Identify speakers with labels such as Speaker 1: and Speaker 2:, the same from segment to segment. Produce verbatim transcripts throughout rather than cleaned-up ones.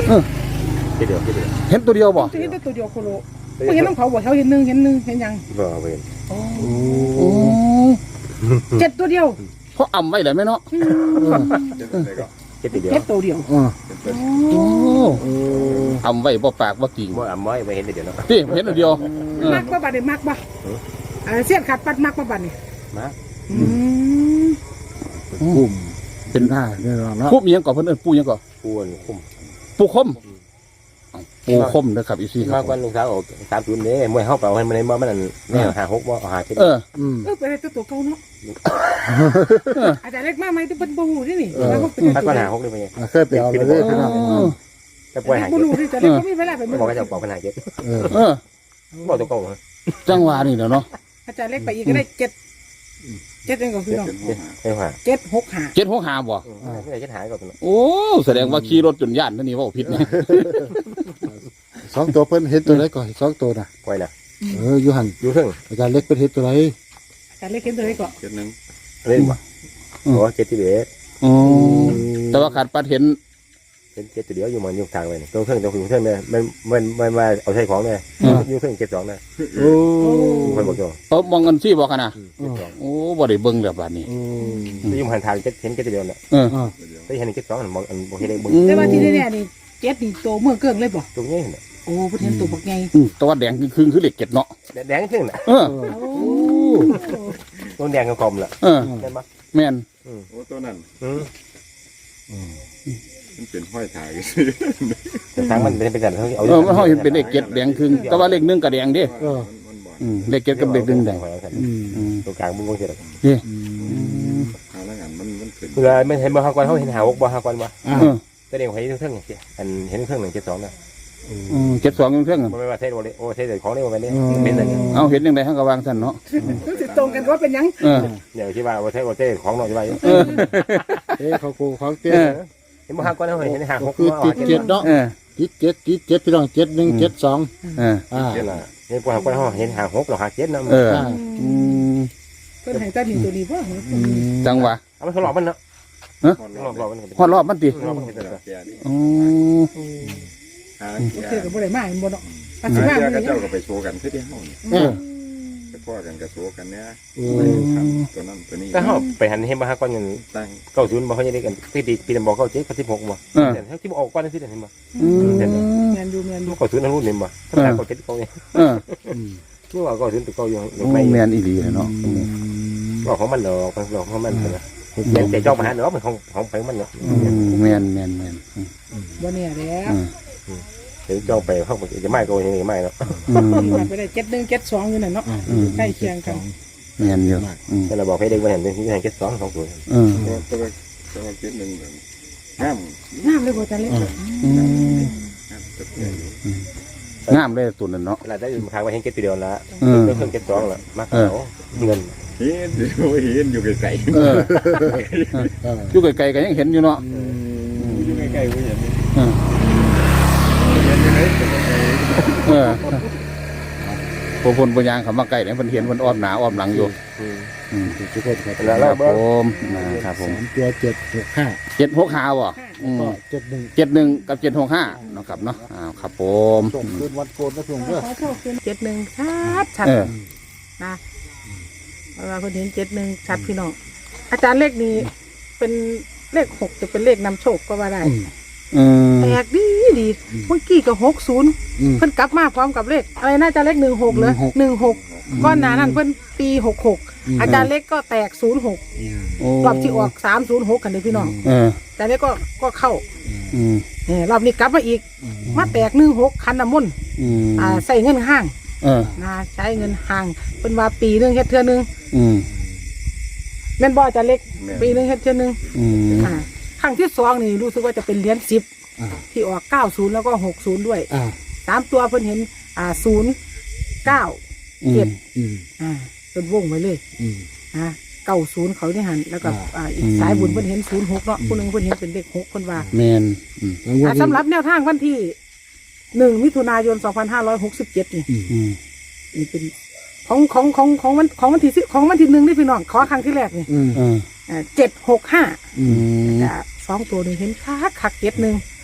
Speaker 1: ทีเดียวทีเดียว
Speaker 2: เห็นตัวเดียวบ่
Speaker 3: เห็นตัวเดียวโคโลไม่เห็นน้องเขาบอกเขาเห็นหนึ่งเห็นหนึ่งเห็นยัง
Speaker 1: บ่เห็น
Speaker 2: โอ้
Speaker 3: เจ็ดตัวเดียว
Speaker 2: เพราะอ่ำไว้เลยไหมเนาะ
Speaker 1: เจ็ดตัวเดียว
Speaker 3: เจ็ดตัวเดียว
Speaker 2: โอ้อ่ำไว้บ่ปากบ่กิ่ง
Speaker 1: บ่อ่ำไว้ไม่เห็นตัวเดียวเนาะ
Speaker 2: พี่เห็นตัวเดียว
Speaker 3: มักบ่บัดนี่มักบ่เสี้ยนขาดปัดมักบ่บัดนี่
Speaker 1: มัก
Speaker 2: คุ้มเป็นหน้าเนี่ยเนาะคุ้มยังก่อนเพิ่นเอิ้นปูยังก่อน
Speaker 1: ปูคุ้ม
Speaker 2: ปูคมปูคมนะครับอีซี่
Speaker 1: มากกว่าลูกสาวออกสามศูนย์เนี่ยมวยเข้าเปล่าให้มันในบ่มันเนี่ยหาหกบ่หาเจ็ด
Speaker 2: เออ
Speaker 3: เออเป็นตัวตัวเก่าเนาะอาจจะเล็กมากไหมที่เป็นบูนี่นี่
Speaker 1: แล้วก็เป็นตัวหาหกเลยไปไง
Speaker 2: เคยไปเอาเลยพี่น้อง
Speaker 1: จะปล่อยหาเจ็ด
Speaker 3: บูนี่จะเล็กก็ไม่เวลาไป
Speaker 1: บอกว่าจะปล่อยปัญหาเจ็ด
Speaker 2: เออ
Speaker 1: บอกตัวเก่า
Speaker 2: จังหวะนี่เนาะ
Speaker 3: อาจารย์เล็กไปอีกก็ได้เจ็ดเจ็ดเองก็คือน้องเจ็ดหกหา
Speaker 2: เจ็ดหกหาบ่
Speaker 1: ไม่ได้เจ็ดหาก่อน
Speaker 2: โอ้แสดงว่าขี่รถจนย่านนั่นนี่ว่าผิดนะ
Speaker 4: สองตัวเพิ่นเห็นตัวไหนก่อนสองตัวน่ะ
Speaker 1: ปล่อยนะ
Speaker 4: เอออยู่หัน
Speaker 1: อยู่ครึ่ง
Speaker 4: อาจารย์เล็กเป็นเห็นตัวไหน
Speaker 3: อาจารย์เล็กเห็นตัวไหนก่อน
Speaker 1: เจ็ดหนึ่งเล่นบ่โอ้เจ็ดที่เบ็ด
Speaker 2: อ๋อแต่ว่าขาดปัดเห็น
Speaker 1: เห็นเจ็ดตัวเดียวอยู่มันอยู่ทางไปตัวเครื่องตัวเครื่องเนี่ยมันมันมันมาเอาใช้ของเนี่ยอยู่เครื่องเจ็ดสองเนี่ย
Speaker 4: โอ้
Speaker 1: คนบอกตัว
Speaker 2: เออมองเงินซี่บอกกันนะโอ้บ่ได้เบิ่งแบบนี้
Speaker 1: อยู่หันทางเจ็ดเห็นเจ็ดตัวเดียวเนี่ย
Speaker 2: เออ
Speaker 1: ได้เห็นเจ็ดสองมองมองเห็นได้เบิ่ง
Speaker 3: แต่ว่าที่แน่ๆนี่เจ็ดนี่โตเมื่อเกิงเลยบ่
Speaker 1: ตรงนี้เนี่ย
Speaker 3: โอ้เพิ่นเห็นตัวบักใหญ่
Speaker 2: ตัวแดงคือคือเหล็กเก็ดเนาะ
Speaker 1: แดงขึ้นน่ะ
Speaker 2: เออ
Speaker 1: ตัวแดงกับกลมแหละ
Speaker 2: เออ
Speaker 1: เห็นปะ
Speaker 2: แม่น
Speaker 5: โอ้ตัวนั้นมันเป็นห้อยถ่าย
Speaker 1: แต่ทางมันเป็นเป็นแบบ
Speaker 2: เอาเออมันห้อยเป็นเลขเก็ดแดงคือแต่ว่าเลขหนึ่งกับแดงดิ
Speaker 4: เออ
Speaker 2: เลขเก็ดกับเลขหนึ่งแดง
Speaker 1: ตัวกลางมันมองเห็น
Speaker 2: นี่
Speaker 5: หาแล้วกันมันมันขึ้น
Speaker 1: เวลาไม่เห็นบ่ฮากวนเขาเห็นหาหกบ่ฮากวนบ่แต่เดี๋ยวเห็นเครื่องอย่างเงี้ยอันเห็นเครื่องหนึ่งเจ็ดสองนะ
Speaker 2: เจ็ดสองเครื่อง
Speaker 1: ไม่ว่าเทสโอเลโอเทสของนี่วันนี้เป็นอะไร
Speaker 2: เอาเห็นยังไงทั้งกระวางสันเนาะ
Speaker 3: ตรงกันว่าเป็นยัง
Speaker 1: เดี๋ยวที่ว่าโอเทสโอเทสของหน่อยว่า
Speaker 4: เอ๊ะเขากูเขาเตี้ย
Speaker 1: เห็นบ่ฮากวนเขาเห็นหาหก
Speaker 4: คือติดเจ็ดเนาะติดเจ็ดติดเจ็ดพี่น้องเจ็ดหนึ่งเจ็ดสอง
Speaker 2: อ่า
Speaker 4: อ่า
Speaker 1: เห็นละเห็นบ่ฮากวนเขาเห็นหาหกหรอหาเจ็ดนะ
Speaker 2: เออ
Speaker 3: เพิ่นให้ตาหนึ่งตัวดีป่ะ
Speaker 2: จังหวะ
Speaker 1: เอาไปทดลองมันเนาะ
Speaker 2: ฮะฮอดรอบมันติอ๋อ
Speaker 3: โอเคกับบ่ได้มาเห็นบ่เนาะ
Speaker 5: อาจารย์ก็เจ้าก็ไปโชว์กันคือที่เฮานี่เออไปพ่อกันก็โชว์กันเนี่ยตัวนั้นตัวนี้
Speaker 1: ก็เฮาไปหันเห็นบ่ฮากวนกันตั้งเก้าศูนย์บ่เขาจะได้กันปีปีปีบอกเก้าเจ็ดกับสิบหกบ่แต่เฮาที่ออกก่อนสิเห็นบ่
Speaker 3: แม่นอยู่แม่นอยู่
Speaker 1: เก้าศูนย์นั่นรุ่นนี่บ่ถ้าเก้าเจ็ดเก้านี่เออคือว่าเก้าศูนย์ตัวเก้าอยู่
Speaker 2: ไม่แม่นอีหลีเนาะ
Speaker 1: บอกของมันดอกของของมันนะเดี๋ยวจะจ้องมาหาเนาะมันของของไปมันเนาะ
Speaker 2: แม่นแม่นแม่น
Speaker 3: บ่เนี่ยแล้ว
Speaker 1: เดี๋ยวจ้องไปเขาจะไม่โกยนี่ไม่เนาะ
Speaker 3: ไปได้เจ็ดหนึ่งเจ็ดสองอยู่นั่นเนาะใกล้เคียงกัน
Speaker 2: แม่นเยอะ
Speaker 1: แต่เราบอกให้เด็กมาเห็นเป็นที่เจ็ดสองสองศูนย์
Speaker 5: ตัวตัวเจ็ดหนึ่งงาม
Speaker 3: งามเลยบ่จันเล็ก
Speaker 2: งามเลยตัวนั้นเนาะ
Speaker 1: เราได้มาค้างไว้ให้เก็ตตัวเดียวละเพิ่มเก็ตสองละมากเขาเงิน
Speaker 5: เห็นเห็นอยู่ไกลๆ
Speaker 2: อยู่ไกลๆก็ยังเห็นอยู่เนาะ
Speaker 5: อยู่ไกลๆก็เห็น
Speaker 2: เออพวกคนปัญญาเขามาใกล้เนี่ยมันเห็นมันอ้อมหนาอ้อมหลังอยู่
Speaker 4: ทุกคนครับ
Speaker 2: ครับผมนะครับผม
Speaker 4: ตัวเจ็ดหกห้า
Speaker 2: เจ็ดหกห้าบ่
Speaker 4: เจ็ดหนึ่ง
Speaker 2: เจ็ดหนึ่งกับเจ็ดหกห้านะครับเนาะอ้าวครับผม
Speaker 4: ส่งคืนวันโกนนะส่งเพื่อ
Speaker 3: เจ็ดหนึ่งชัดชัดนะเวลาคนเห็นเจ็ดหนึ่งชัดพี่น้องอาจารย์เลขนี้เป็นเลขหกจะเป็นเลขนำโชคก็ว่าได้แปลกดีดีเมื่อกี้ก็หกศูนย์เพิ่นกลับมาพร้อมกับเลขอะไรน่าจะเลขหนึ่งหกเลยหนึ่งหกก้อนหนานั่นเพิ่นปีหกหกอาจารย์เลขก็แตกศูนย์หกรอบที่ออกสามศูนย์หกกันเลยพี่น้องแต่เลขก็ก็เข้ารอบนี้กลับมาอีกมาแตกหนึ่งหกคันน้ำมนต์อ่าใส่เงินห้างนะใช้เงินห้างเป็นว่าปีนึงเฮ็ดเทื่อนึงแม่นบ่อาจารย์เลขปีนึงเฮ็ดเทื่อนึงอ่าครั้งที่สองนี่รู้สึกว่าจะเป็นเหรียญสิบที่ออกเก้าศูนย์แล้วก็หกศูนย์ด้วยสามตัวเพิ่นเห็นอ่าศูนย์เก้าเจ็ดอ่าเป็นวงไว้เลยอ่าเก้าศูนย์เขาได้หันแล้วก็อ่าอีกสายบุญเพิ่นเห็นศูนย์หกเนาะผู้หนึ่งเพิ่นเห็นเป็นเลขหกคนว่า
Speaker 2: แมน
Speaker 3: อ่าสำหรับแนวทางวันที่หนึ่งมิถุนายนสองพันห้าร้อยหกสิบเจ็ดนี่นี่เป็นของของของของวันของวันที่สิของวันที่หนึ่งนี่พี่น้องขอครั้งที่แรกนี่อ่าเจ็ดหกห้าสองตัวหนึ่งเห็นคักคักเจ็ดหนึ่ง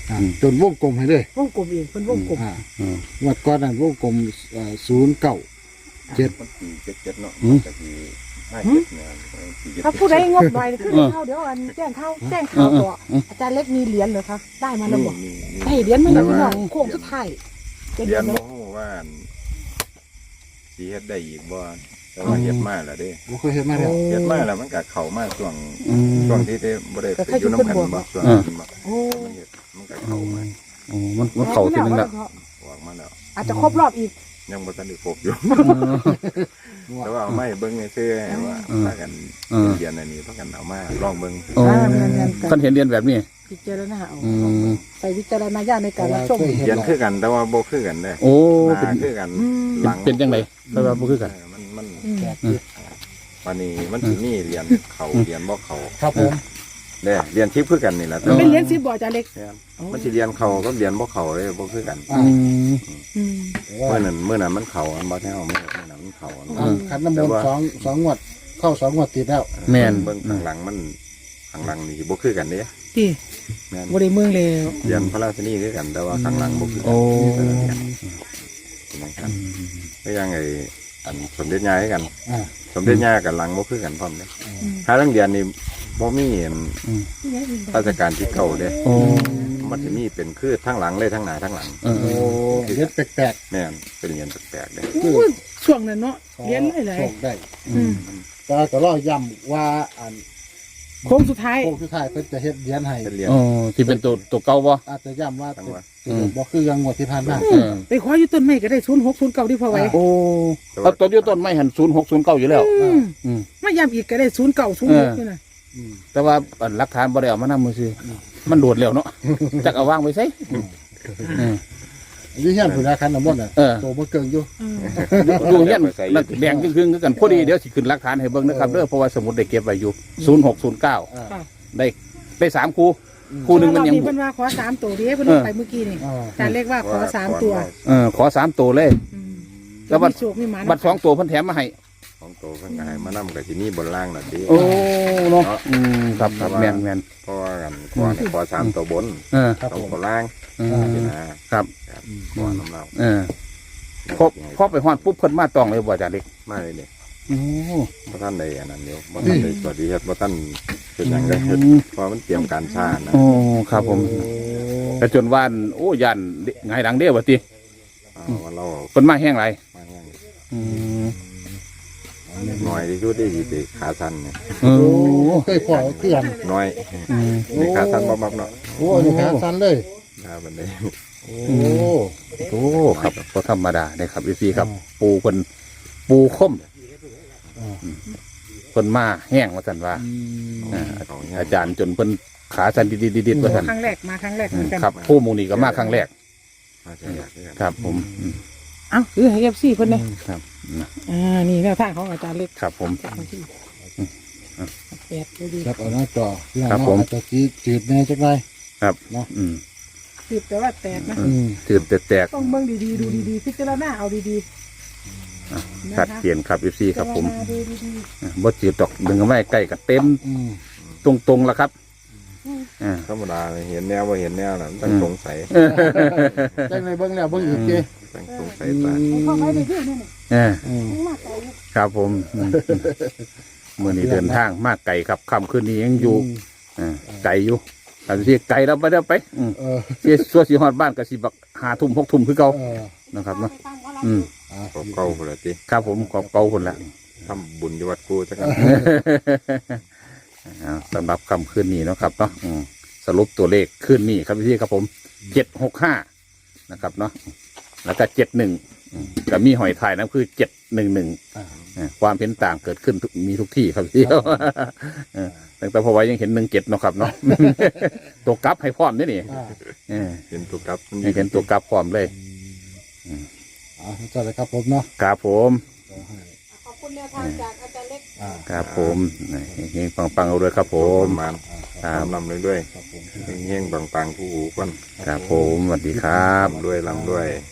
Speaker 4: อ่าจนวงกลมให้เลยว
Speaker 3: งกลมเองเพิ่นวงกลม
Speaker 4: อ่า
Speaker 2: อืม
Speaker 4: งวดก่อนนั้นวงกลมศูนย์เก้าเจ็ด
Speaker 5: มันปีเจ็ดเจ็ดเนาะ
Speaker 2: อืม
Speaker 5: จากปีห้าเจ็ดเนี่ยปีเจ็ด
Speaker 3: ถ้าผู้ใดงบหน่อยคือเดี๋ยวเข้าเดี๋ยวอันแจ้งเข้าแจ้งข่าวต่ออาจารย์เล็กมีเหรียญเหรอคะได้มาแล้วบอก
Speaker 5: มีมี
Speaker 3: ได้เหรียญมาแล้วพี่น้องโค้งสุดท้ายจะ
Speaker 5: เรี
Speaker 3: เดื
Speaker 5: ย
Speaker 3: อน น
Speaker 5: โม
Speaker 3: เนาะ
Speaker 5: โหว่าสีเฮ็ดได้อีกบ่แต่ว่าเฮ็ดมาแล้วเด้
Speaker 4: บ่เคยเห็นมาแล้ว
Speaker 5: เฮ็ดมาแล้วมันก็เข้ามาช่วง
Speaker 2: อืม
Speaker 5: ช่วงที่ได้บ่ได้ไปอยู่น้ำกันบ่ช่วงนี้บ่
Speaker 3: โอ้
Speaker 5: มันเฮ็ดมันก็เข้ามา
Speaker 2: อ๋อมันมันเข่าทีนึงละ
Speaker 5: ออกมาแล้ว
Speaker 3: อาจจะครบรอบอีก
Speaker 5: ยังบ่ทันได้ครบอยู่ แต่ว่าเอาไม้เบิ่งให้ซื่อให้ว่าพากันเรียนอันนี้พากันเอามาลองเบิ่ง
Speaker 2: โอ้คันเห็นเรียนแบบนี้
Speaker 3: พิจารณาเอา
Speaker 2: อืม
Speaker 3: ใส่วิจารณญาณในการรับชม
Speaker 5: เรียนคือกันแต่ว่าบ่คือกันเด้
Speaker 2: โอ้
Speaker 5: ห
Speaker 2: เป็น
Speaker 5: น้าคือกัน
Speaker 3: อืม
Speaker 5: หลัง
Speaker 2: เป็นจังไดแปลว่าบ่คือกัน
Speaker 5: เออมันมัน
Speaker 3: อืม
Speaker 5: วันนี้มันสิมีเรียนเขาเรียนบ่เขา
Speaker 4: ครับผม
Speaker 5: เด้เรียนทิพย์คือกันนี่แหละแต่
Speaker 3: เป็น
Speaker 5: ว่า
Speaker 3: เหรียญสิบบ่อาจารย์เล็ก
Speaker 5: มันสิเรียนเขาก็เรียนบ่เขาเลยบ่คือกัน
Speaker 4: อ่า
Speaker 2: อืม
Speaker 3: อืม
Speaker 5: เมื่อนั้นเมื่อนั้นมันเขาอันบ่แท้เอาเมื่อเมื่อนั้นมันเขาอัน
Speaker 4: อ่าขันน้ำมนต์สองสองงวดเข้าสองงวดติดแล้ว
Speaker 2: แม่น
Speaker 5: เบิ่งข้างหลังมันข้างหลังนี่บ่คือกันเด้
Speaker 3: ที่
Speaker 5: แม่น
Speaker 3: บ่ได้เมืองแล้ว
Speaker 5: เรียนพระราชนีคือกันแต่ว่าข้างหลังบ่คือกัน
Speaker 2: โอ้
Speaker 5: เป็นอย่างนั้นก็ยังไงอันสมเด็จย่าให้กัน
Speaker 4: อ่า
Speaker 5: สมเด็จย่ากับหลังบ่คือกันพร้อมเด้ถ้าเรื่องเรียนนี่บ่มีอันราชการที่เก่าเด้
Speaker 2: โอ้
Speaker 5: มันจะมีเป็นคือทั้งหลังเลยทั้งหน้าทั้งหลัง
Speaker 2: เออ
Speaker 4: โอ้เฮ็ดแปลก
Speaker 5: แม่นเป็นเรียนแปลกๆเด้
Speaker 3: โอ้ยช่วงนั้นเนาะ
Speaker 4: ๆ
Speaker 3: เหรียญหลาย
Speaker 4: โชคได้
Speaker 3: ๆอืม
Speaker 4: แต่ก็รอย้ำว่าอัน
Speaker 3: โค้งสุดท้าย
Speaker 4: โค้งสุดท้ายเพิ่นจะเฮ็ดเหรียญให้
Speaker 5: เป็นเรียน
Speaker 2: โอ้ที่เป็นตัวตัวเก่าบ่
Speaker 4: อาจจะย้ำว่า
Speaker 5: จังหวะ
Speaker 4: เป็นบ่คือยังงวดที่ผ่านมา
Speaker 2: เออ
Speaker 3: ไปขออยู่ต้นไม้ก็ได้ศูนย์หกศูนย์เก้าที่พอไว้
Speaker 2: โอ้เอาตัวเดียวต้นไม้หันศูนย์หกศูนย์เก้าอยู่แล้ว
Speaker 3: อืม
Speaker 2: อืม
Speaker 3: มาย้ำอีกก็ได้ศูนย์เก้าศูนย์หกนี่นะ
Speaker 4: อืม
Speaker 2: แต่ว่าอันหลักฐานบ่ได้เอามานำมือซื้อมันโดดแล้วเนาะจักเอาวางไว้ไสอืม
Speaker 4: อยู่เฮียนผู้ใดคันน้ำมนต์น่ะ
Speaker 2: เออ
Speaker 4: โตบ่เกิงอยู่
Speaker 3: อืม
Speaker 2: ดูเงี้ยนักแดงครึ่งๆคือกันพอดีเดี๋ยวสิขึ้นหลักฐานให้เบิ่งนะครับเด้อเพราะว่าสมุดได้เก็บไว้อยู่ศูนย์หกศูนย์เก้า
Speaker 4: อ่า
Speaker 3: ค่ะ
Speaker 2: ได้ได้สามคู่คู่หนึงมันยัง
Speaker 3: รอบเพิ่นว่าขอสามตัวเด้เพิ่นเอาไปเมื่อกี้นี่
Speaker 4: อ่า
Speaker 3: อาจารย์เล็กว่าขอสามตัว
Speaker 2: เออขอสามตัวเลย
Speaker 3: อืม
Speaker 2: แล้วบัด
Speaker 3: มีโชคมีหมานะ
Speaker 2: บัตรสองตัวเพิ่นแถมมาให้
Speaker 5: ของโตเพิ่นก็ให้มานำกับที่นี่บนล่างน่ะดิ
Speaker 2: โอ้เนาะอืมครับครับแม่นแม่น
Speaker 5: เพราะว่ากันขอให้ขอสามตัวบน
Speaker 2: เออ
Speaker 4: ครับ
Speaker 5: สอ
Speaker 4: ผ
Speaker 5: ง
Speaker 4: ม
Speaker 5: ตัวล่าง
Speaker 2: เออ
Speaker 5: นี่นะครับ ครับขอน้ำเรา
Speaker 2: เออพอพอไปฮอดปุ๊บเพิ่นมาต้องเลยบ่อาจารย์เล็ก
Speaker 5: มาเลยเนี่ย
Speaker 2: โอ้
Speaker 5: บ่ท่านใดอันนั้นเดียวบ่ท่านใดสวัสดีครับบ่ท่านเป็นหยังได้เฮ็ดเพราะมันเตรียมการช้านะ
Speaker 2: โอ้ครับผมแต่จนว่านโอ้ยันไงายหลังเด้อว่าติ
Speaker 5: อ่าว่าเรา
Speaker 2: เพิ่นมาแห้งไร
Speaker 5: มาแห้ง
Speaker 2: อืม
Speaker 5: น้อยที่สุดที่สิไปขาสั้นเนี่ย
Speaker 2: โอ้
Speaker 4: โอ้เคยพ่อเพื่อน
Speaker 5: น้อย
Speaker 2: อืม
Speaker 5: ในขาสั้นบ่มักเนาะ
Speaker 4: โอ้นี่ขาสั้นเลย
Speaker 5: ถ้าบันได
Speaker 4: โอ้
Speaker 2: โอ้ครับก็ธรรมดาเนี่ยครับพี่ครับ ปูเพิ่นปูคมเพิ่นมาแห้งว่าซั่นว่า
Speaker 4: อืม
Speaker 2: อ่า
Speaker 5: เขาเนี่ย
Speaker 2: อาจารย์จนเพิ่นขาสั่นดิดๆๆว่าซั่น
Speaker 3: ครั้งแรกมาครั้งแรกเหมือนกัน
Speaker 2: ครับผู้หมูนี่ก็มาครั้งแรก
Speaker 5: มาจากไหนเนี่ย
Speaker 2: ครับผมอืม
Speaker 3: เอ้าคือให้เอฟซีเพิ่นเนี่ย
Speaker 2: ครับ
Speaker 3: อ่านี่แนวทางของอาจารย์เล็ก
Speaker 2: ครับผม
Speaker 3: แปดดูดี
Speaker 4: ครับเอาหน้าจอเรื่อง
Speaker 2: ครับผม
Speaker 4: อาจจะจีจืดแน่จักหน่อย
Speaker 2: ครับอืม
Speaker 3: สิบแต่ว่าแตกนะ
Speaker 4: อืม
Speaker 2: ตื่นแตก
Speaker 3: ต้องเบิ่งดีๆดูดีๆพิจารณาเอาดีๆ
Speaker 2: ๆชัดเจนครับ เอฟ ซี ครับผม
Speaker 3: พิจาณาดูดี
Speaker 2: บ่จืดดอกดึงเอาไว้ใกล้กับเต็ม
Speaker 4: อืม
Speaker 2: ตรงๆแล้วครับอ่า
Speaker 5: ธรรมดาเลยเห็นแนวว่าเห็นแนวน่ะมันต้องสงสัย
Speaker 4: จังในเบิ่งแล้วเบิ่งอีกเจ้
Speaker 5: ต้องสงสัยตา
Speaker 3: ๆเข้าไปในที่นี่นี่
Speaker 2: เออ
Speaker 4: อืม
Speaker 3: มากไป
Speaker 2: ครับผมอืมเมื่อนี้เดินทางมากไกลครับค่ำคืนนี้ยังอยู่อ่าไกลอยู่แต่ที่ไกลเราไปได้ไปอืม
Speaker 4: เออ
Speaker 2: เสียสัวสีฮอดบ้านก็สิบักหาทุ่มหกทุ่มคือเก่า
Speaker 4: เออ
Speaker 2: นะครับเนาะอืม
Speaker 4: อ่า
Speaker 5: ก็เก่าพุ่นละติ
Speaker 2: ครับผมขอบเก่าคนละ
Speaker 5: ทำบุญอยู่วัดกูจักกัน
Speaker 2: อ่าสำหรับคำคืนนี้เนาะครับเนาะอืมสรุปตัวเลขคืนนี้ครับพี่ครับผมเจ็ดหกห้านะครับเนาะแล้วก็เจ็ดหนึ่งก็มีหอยถ่ายนะคือเจ็ดหนึ่งหนึ่ง
Speaker 4: อ่า
Speaker 2: ความเห็นต่างเกิดขึ้นทุกมีทุกที่ครับพี่เออแต่แต่พอไว้ยังเห็นหนึ่งเจ็ดเนาะครับเนาะ ตัวกลับให้พร้อมนี่นี่
Speaker 4: อ่า
Speaker 2: เออ
Speaker 5: เห็นตัวกลับมัน
Speaker 2: ให้เห็นตัวกลับพร้อมเลย
Speaker 4: อ่าจัดเลยครับผมเนาะ
Speaker 2: ครับผม
Speaker 4: ขอให้
Speaker 3: ขอบคุณแนวทางจากอาจารย์เล็ก
Speaker 4: อ่า
Speaker 2: ครับผมเฮงๆปังๆเอาด้วยครับผ
Speaker 5: ผม มมา
Speaker 2: ครั
Speaker 5: ตา
Speaker 2: บ
Speaker 5: มลำเลยด้วย
Speaker 4: ครับผม
Speaker 5: เฮงๆปังๆผู้หูก่อน
Speaker 2: ครับผมสวัสดีครับ
Speaker 5: ลำด้วยลำด้วย